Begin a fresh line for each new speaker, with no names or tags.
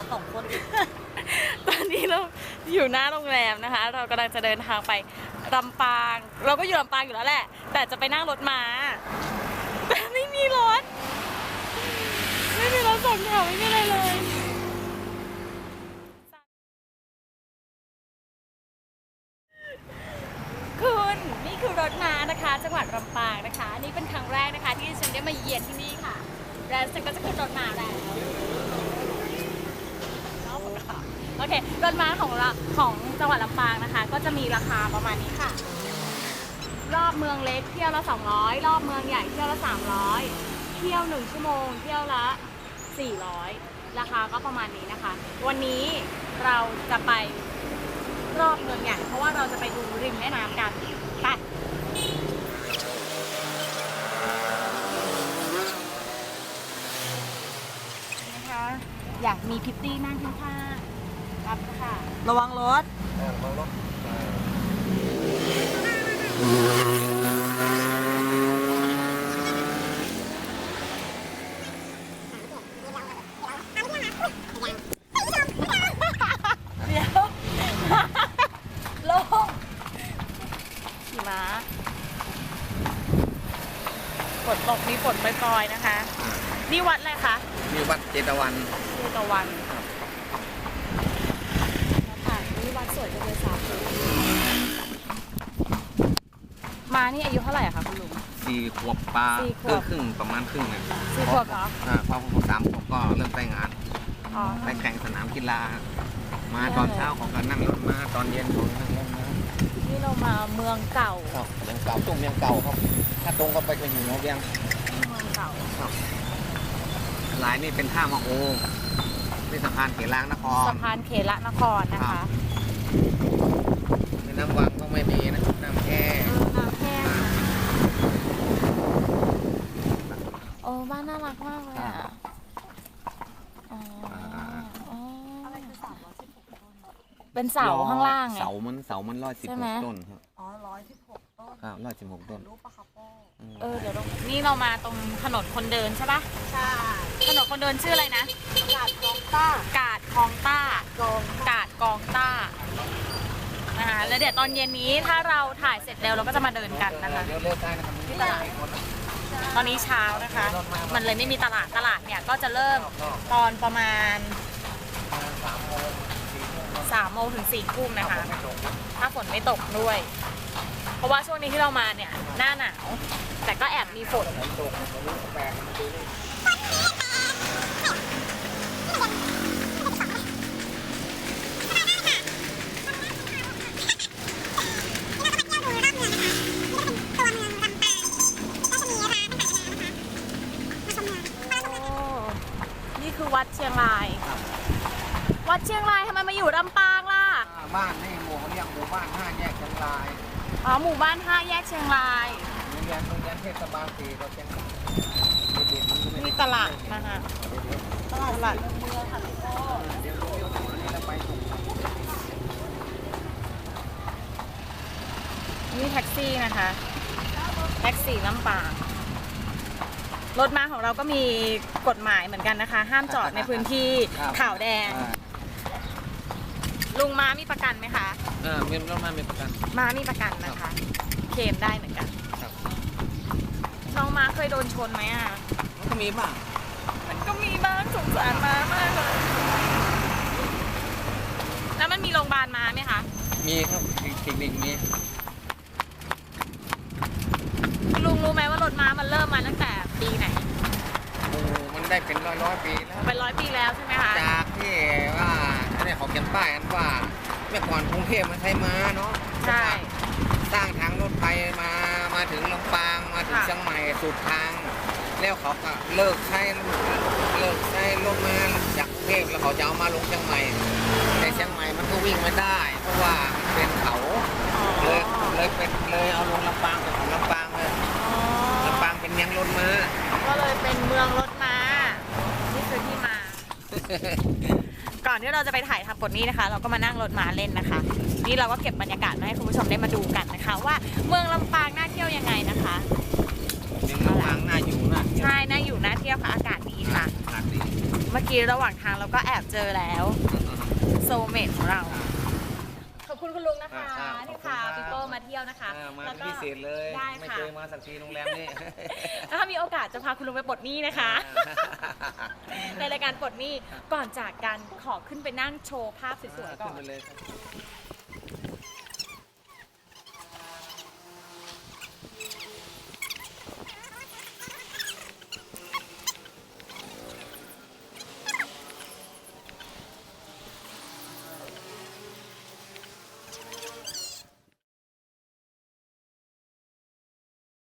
2 คน
ตอนนี้เราอยู่หน้าโรงแรมนะคะเรากำลังจะเดินทางไปลำปางเราก็อยู่ลำปางอยู่แล้วแหละแต่จะไปนั่งรถม้าแต่ไม่มีรถสองแถวไม่มีอะไรเลยคุณนี่คือรถม้านะคะจังหวัดลำปางนะคะนี่เป็นครั้งแรกนะคะที่ฉันได้มาเยือนที่นี่ค่ะแล้วฉันก็จะขึ้นรถม้าแล้วโอเครถม้าของเราของจังหวัดลำปางนะคะก็จะมีราคาประมาณนี้ค่ะรอบเมืองเล็กเที่ยวละ200รอบเมืองใหญ่เที่ยวละ300เที่ยว1 ชั่วโมงเที่ยวละ400ราคาก็ประมาณนี้นะคะวันนี้เราจะไปรอบเมืองใหญ่เพราะว่าเราจะไปดูริมแม่น้ำกันไปนะคะอยากมีพิตตี้นั่งข้างๆรับค่ะ
ระวังรถ
ลงขี่ม้าฝนตกมีฝนปล่อยๆนะคะนี่วัดอะไรคะ
นี่วัดเจตวัน
ค่ะนี่วัดสวยจังเลยสาธุมานี่อายุเท่าไหร่อะคะคุณลุง
4 ขวบปลาครึ่งประมาณครึ่งเนี่ย
4 ขวบเหรอ
พอผม3 ขวบก็เริ่มไปงานไปแข่งสนามกีฬามาตอนเช้าของก็นั่งรถมาตอนเย็นของนั่งรถมา
นี่เรามาเมืองเก่า
เมืองเก่าตุ้มเมืองเก่าครับถ้าตรงก็ไปก็อยู่หัวเวียง
เมืองเก่า
หลายนี่เป็นท่ามะโอเป็นสะพานเขลางนคร
สะพานเขลนครนะคะ
น้ำวังก็ไม่มีนะน้ำแค่
โอ้บ้านน่ารักมากเลยอ่ะเป็นเสาข้างล่างไง
เสามัน116 ต้นครับ
116 ต้น
ครับ116 ต้น
รูปปลาคาโป้
เดี๋ยวนี่เรามาตรงถนนคนเดินใช่ปะ
ใช่
ถนนคนเดินชื่ออะไรนะ
กาดคลองต้าก
าดคลองต้ากาดกองต้านะคะแล้วเดี๋ยวตอนเย็นนี้ถ้าเราถ่ายเสร็จแล้วเราก็จะมาเดินกันนะคะที่ตลาดตอนนี้เช้านะคะมันเลยไม่มีตลาดเนี่ยก็จะเริ่มตอนประมาณ3 โมงถึง4 ทุ่มนะคะถ้าฝนไม่ตกด้วยเพราะว่าช่วงนี้ที่เรามาเนี่ยหน้าหนาวแต่ก็แอบมีฝนนี่คือวัดเชียงรายวัดเชียงรายทำไมมาอยู่ลำปางล่ะ
บ้านนี่หมู่เขาเรียกหมู่บ้าน5 แยกเชียงราย
หมู่บ้าน5 แยกเชียงราย
โรงเรียนเทศบาล4เราเชียงราย
มีตลาดนะคะตลาดเมืองค่ะพี่โก้นี่แท็กซี่นะคะแท็กซี่ลำปางรถม้าของเราก็มีกฎหมายเหมือนกันนะคะห้ามจอดในพื้นที่ขาวแดงลุงม้ามีประกันไหมคะ
มีรถม้ามีประกัน
ม้ามีประกันนะคะเคลมได้เหมือนกันน้องม้าเคยโดนชนไหมอ่ะ
มันก็มีบ้าง
สงสารม้ามากเลยแล้วมันมีโรงพยาบาลม้าไหมคะ
มีครับคลินิกมี
ลุงรู้ไหมว่ารถม้ามันเริ่มมาตั้งแต่ปีไหน
มันได้เป็นร้อยปีแล้ว
เป็น100 ปีแล้วใช่ไหมคะ
จากที่ว่าเนี่ยเขาเขียนป้ายกันว่าเมื่อก่อนกรุงเทพมันใช้ม้าเนาะ
ใช่
สร้างทางรถไฟมาถึงลำปางมาถึงเชียงใหม่สุดทางแล้วเขาก็เลิกใช้รถม้าจากกรุงเทพแล้วเขาจะเอามาลงเชียงใหม่แต่เชียงใหม่มันก็วิ่งไม่ได้เพราะว่ามันเป็นเขาเลยเอาลงลำปางเป็นของลำปางเลยลำปางเป็นเมืองรถม้า
ก็เลยเป็นเมืองรถม้านี่คือที่มา ก่อนที่เราจะไปถ่ายทำบทนี้นะคะเราก็มานั่งรถม้าเล่นนะคะนี่เราก็เก็บบรรยากาศมาให้คุณผู้ชมได้มาดูกันนะคะว่าเมืองลำปางน่าเที่ยวยังไงนะคะ
เมืองลำปางน่าอยู่นะ
ใช่น่าอยู่น่าเที่ยวค่ะอากาศดีค่ะ
อากาศดี
เมื่อกี้ระหว่างทางเราก็แอบเจอแล้วโซลเมทของเรา ขอบคุณคุณลุงนะคะที่พาปีโป้มาเที่ยวนะคะ
มา
แล้ว
เป็น
ก็
พิเศษเลย
ได้
ไม่
ค่ะ
เคยมาสักทีโรงแรมนี่
ถ้ามีโอกาสจะพาคุณลุงไปปลดหนี้นะคะ ในรายการปลดหนี้ก่อนจากกันขอขึ้นไปนั่งโชว์ภาพสวยๆก่
ขึ้
อน น
ไปเลยครับ